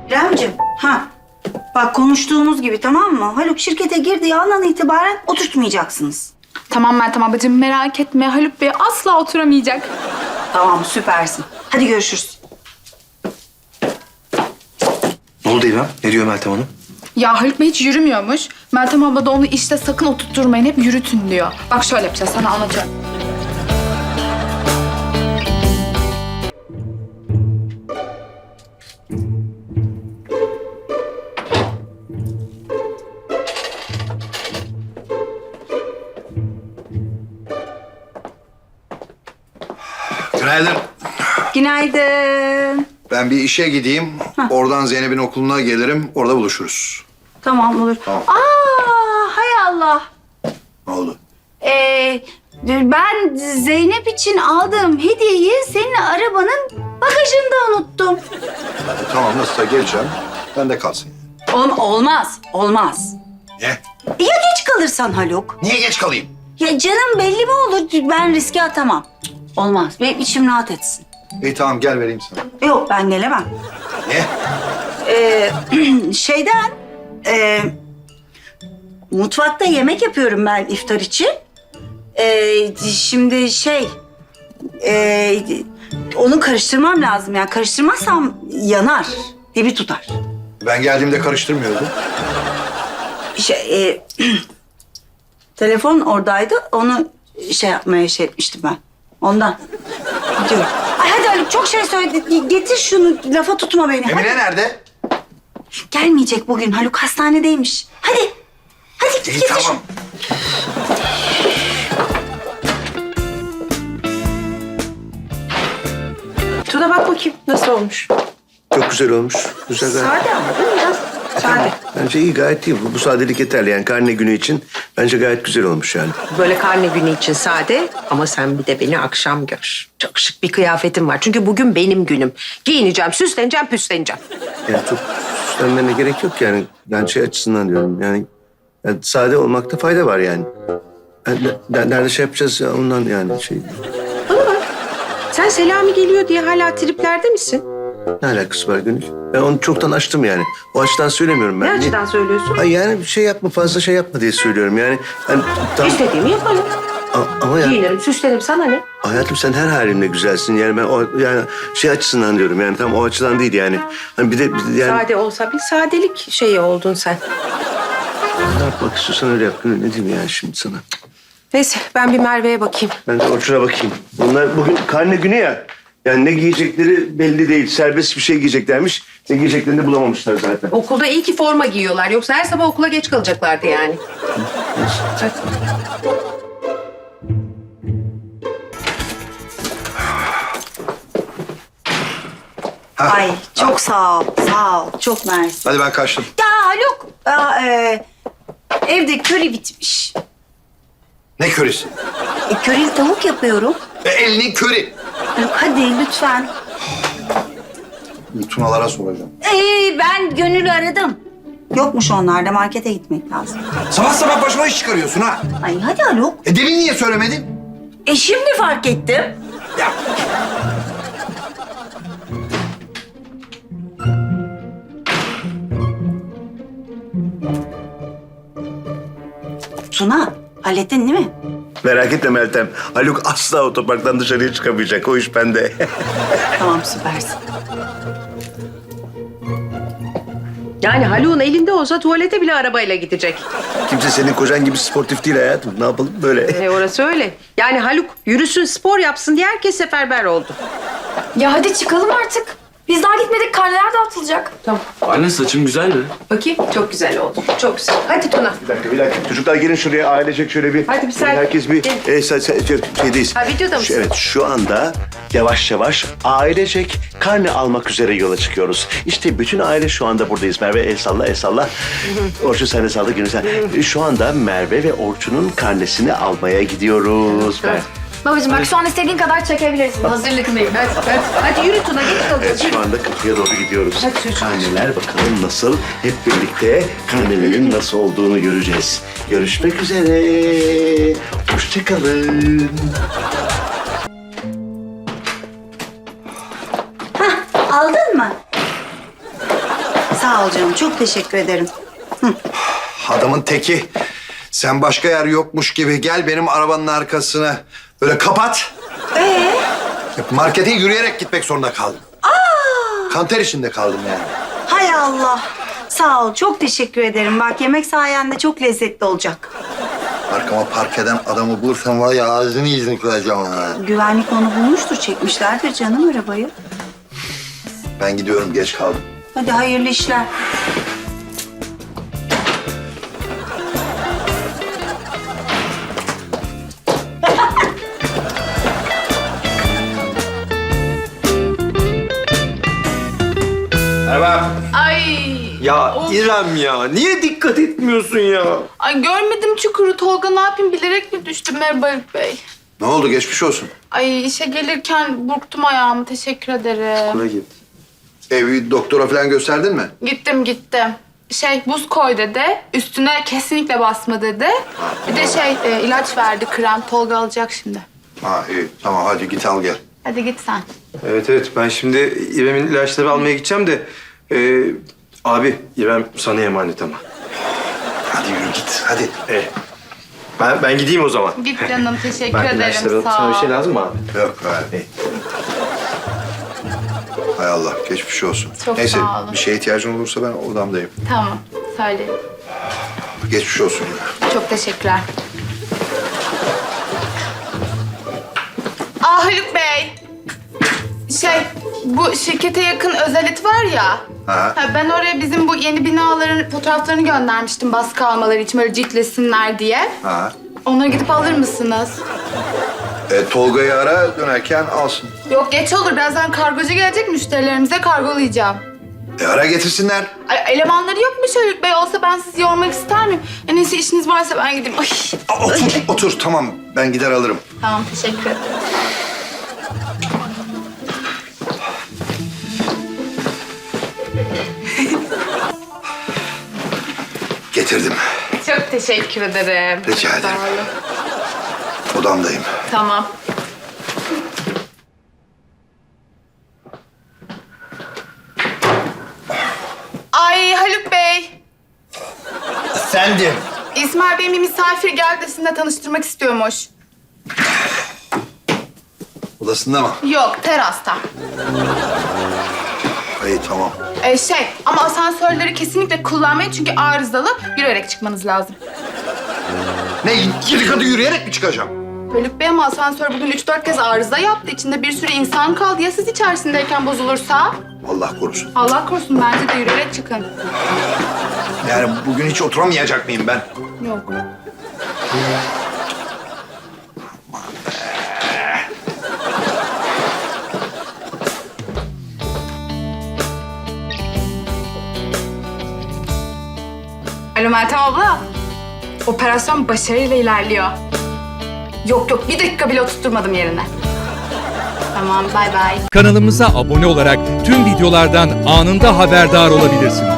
İremciğim, bak konuştuğumuz gibi tamam mı? Haluk şirkete girdiği andan itibaren oturtmayacaksınız. Tamam Meltem ablacığım merak etme. Haluk Bey asla oturamayacak. Tamam, süpersin. Hadi görüşürüz. Ne oldu İrem? Ne diyor Meltem Hanım? Ya Haluk Bey hiç yürümüyormuş. Meltem abla da onu işte sakın oturtturmayın. Hep yürütün diyor. Bak şöyle yapacağız sana anlatıyorum. Günaydın. Günaydın. Ben bir işe gideyim. Oradan Zeynep'in okuluna gelirim. Orada buluşuruz. Tamam, olur. Tamam. Hay Allah. Ne oldu? Ben Zeynep için aldığım hediyeyi senin arabanın bagajında unuttum. Tamam, nasılsa geleceğim. Ben de kalsın. Olmaz. Ne? Ya geç kalırsan Haluk? Niye geç kalayım? Ya canım belli mi olur? Ben riske atamam. Olmaz. Benim içim rahat etsin. İyi tamam, gel vereyim sana. Yok, ben gelemem. Ne? Mutfakta yemek yapıyorum ben iftar için. Şimdi onu karıştırmam lazım. Yani karıştırmazsam yanar, dibi tutar. Ben geldiğimde karıştırmıyordum. Telefon oradaydı, onu yapmaya etmiştim ben. Ondan. Gidiyorum. Ay hadi Haluk, çok şey söyledi. Getir şunu, lafa tutma beni. Emine nerede? Gelmeyecek bugün. Haluk hastanedeymiş. Hadi. Hadi git İyi getir. tamam. Tuna bak bakayım nasıl olmuş. Çok güzel olmuş. Güzel gayet. Sade ama değil mi biraz? Sade. Bence iyi, gayet iyi. Bu sadelik yeterli yani karne günü için. Bence gayet güzel olmuş yani. Böyle karne günü için sade ama sen bir de beni akşam gör. Çok şık bir kıyafetim var. Çünkü bugün benim günüm. Giyineceğim, süsleneceğim, püsleneceğim. Yani çok süslenmene gerek yok yani. Ben şey açısından diyorum yani sade olmakta fayda var yani. Nerede şey yapacağız ya ondan yani şey. Bana bak. Sen Selami geliyor diye hala triplerde misin? Ne alakası var Gönül? Ben onu çoktan açtım yani. O açıdan söylemiyorum ben. Ne açıdan söylüyorsun? Ay yani bir şey yapma, fazla şey yapma diye söylüyorum yani. İstediğimi yaparım. Ama yani Giyinirim, süslenirim. Sana ne? hayatım sen her halinle güzelsin yani ben o yani şey açısından diyorum yani tam o açıdan değil yani. Hani bir de yani Sade olsa bir sadelik şeyi oldun sen. ne yapmak istiyorsan öyle yap Gönül. Ne diyeyim yani şimdi sana? Neyse ben bir Merve'ye bakayım. Ben de Orçun'a bakayım. Bunlar bugün karne günü ya. Yani ne giyecekleri belli değil. Serbest bir şey giyeceklermiş. Ne giyeceklerini de bulamamışlar zaten. Okulda iyi ki forma giyiyorlar. Yoksa her sabah okula geç kalacaklardı yani. Hadi. Ay çok sağ ol. Çok mersi. Hadi ben kaçtım. Ya Haluk, evde köri bitmiş. Ne körisi? Körili tavuk yapıyorum. Elinin körü. Haluk hadi lütfen. Tunalara soracağım. Ben Gönül'ü aradım. Yokmuş onlarda, markete gitmek lazım. Sabah sabah başıma iş çıkarıyorsun ha. Ay hadi Haluk. Demin niye söylemedin? Şimdi fark ettim. Ya. Tuna, hallettin değil mi? Merak etme Meltem. Haluk asla otoparktan dışarıya çıkamayacak. O iş bende. Tamam, süpersin. Yani Haluk'un elinde olsa tuvalete bile arabayla gidecek. Kimse senin kocan gibi sportif değil hayatım. Ne yapalım böyle? Orası öyle. Yani Haluk yürüsün, spor yapsın diye herkes seferber oldu. Ya hadi çıkalım artık. Biz daha gitmedik. Karneler dağıtılacak. Tamam. Anne saçım güzel mi? Bakayım. Çok güzel oldu. Çok güzel. Hadi Tuna. Bir dakika. Çocuklar gelin şuraya ailecek şöyle bir... Hadi bir selfie. Herkes bir... Gelin. Şeydeyiz. Ha, videoda mısın? Evet, şu anda yavaş yavaş ailecek karne almak üzere yola çıkıyoruz. İşte bütün aile şu anda buradayız. Merve el salla, el salla. Orçun sen de salla, Gönül sen. Şu anda Merve ve Orçun'un karnesini almaya gidiyoruz. Evet. Babacığım bak şu an istediğin kadar çekebilirsin. Hazırlıklıyım. Hadi yürü Tuna. Geç kalacağız. Evet, şu anda kapıya doğru gidiyoruz. Hadi çocuğum. Karneler bakalım nasıl? Hep birlikte karnelerin nasıl olduğunu göreceğiz. Görüşmek üzere. Hoşçakalın. Aldın mı? Sağ ol canım. Çok teşekkür ederim. Adamın teki. Sen başka yer yokmuş gibi gel benim arabanın arkasına. Böyle kapat. Markete yürüyerek gitmek zorunda kaldım. Kanter içinde kaldım yani. Hay Allah. Sağ ol. Çok teşekkür ederim. Bak yemek sayende çok lezzetli olacak. Arkama park eden adamı bulursam var ya ağzını yüzünü kıracağım ha. Güvenlik onu bulmuştur. Çekmişlerdir canım arabayı. Ben gidiyorum, geç kaldım. Hadi hayırlı işler. Merhaba. Ay. Ya İrem ya, niye dikkat etmiyorsun ya? Ay görmedim çukuru Tolga, ne yapayım, bilerek mi düştüm? Merhaba Haluk Bey. Ne oldu, geçmiş olsun. Ay işe gelirken burktum ayağımı, teşekkür ederim. Buraya git. Evi doktora falan gösterdin mi? Gittim. Buz koy dedi. Üstüne kesinlikle basma dedi. Bir de ilaç verdi, krem. Tolga alacak şimdi. Ha iyi, tamam hadi git al gel. Hadi git sen. Evet, ben şimdi İrem'in ilaçları almaya gideceğim de... abi, İrem sana emanet ama. Hadi yürü git, hadi. Ben gideyim o zaman. Git canım, teşekkür Ben ederim. ilaçları Sağ sana ol. bir şey lazım mı abi? Yok hadi. Hay Allah, geçmiş olsun. Çok Neyse, sağ olun. bir şeye ihtiyacın olursa ben odamdayım. Tamam, söyle. Geçmiş olsun. Çok teşekkürler. Haluk Bey. Bu şirkete yakın özelit var ya. Ha. Ben oraya bizim bu yeni binaların fotoğraflarını göndermiştim baskı almaları için, böyle ciltlesinler diye. Ha. Onları gidip alır mısınız? Tolga'yı ara, dönerken alsın. Yok geç olur, birazdan kargocu gelecek, müşterilerimize kargolayacağım. Ara getirsinler. Ay, elemanları yokmuş Haluk Bey, olsa ben sizi yormak ister miyim? En iyisi işiniz varsa ben gideyim. Ay. Otur, tamam. Ben gider alırım. Tamam, teşekkür ederim. Getirdim. Çok teşekkür ederim. Rica ederim. Sağ olun. Odamdayım. Tamam. Ay Haluk Bey, Sendim. İsmail Bey'in bir misafir geldi de sizinle tanıştırmak istiyormuş. Odasında mı? Yok, terasta. İyi, tamam. Ama asansörleri kesinlikle kullanmayın çünkü arızalı, yürüyerek çıkmanız lazım. Ne, 7 katı yürüyerek mi çıkacağım? Haluk Bey, ama asansör bugün 3-4 kez arıza yaptı. İçinde bir sürü insan kaldı. Ya siz içerisindeyken bozulursa? Allah korusun. Allah korusun, bence de yürüyerek çıkın. Yani bugün hiç oturamayacak mıyım ben? Yok. Alo Meltem abla. Operasyon başarıyla ilerliyor. Yok, bir dakika bile oturtturmadım yerine. Tamam, bay bay. Kanalımıza abone olarak tüm videolardan anında haberdar olabilirsiniz.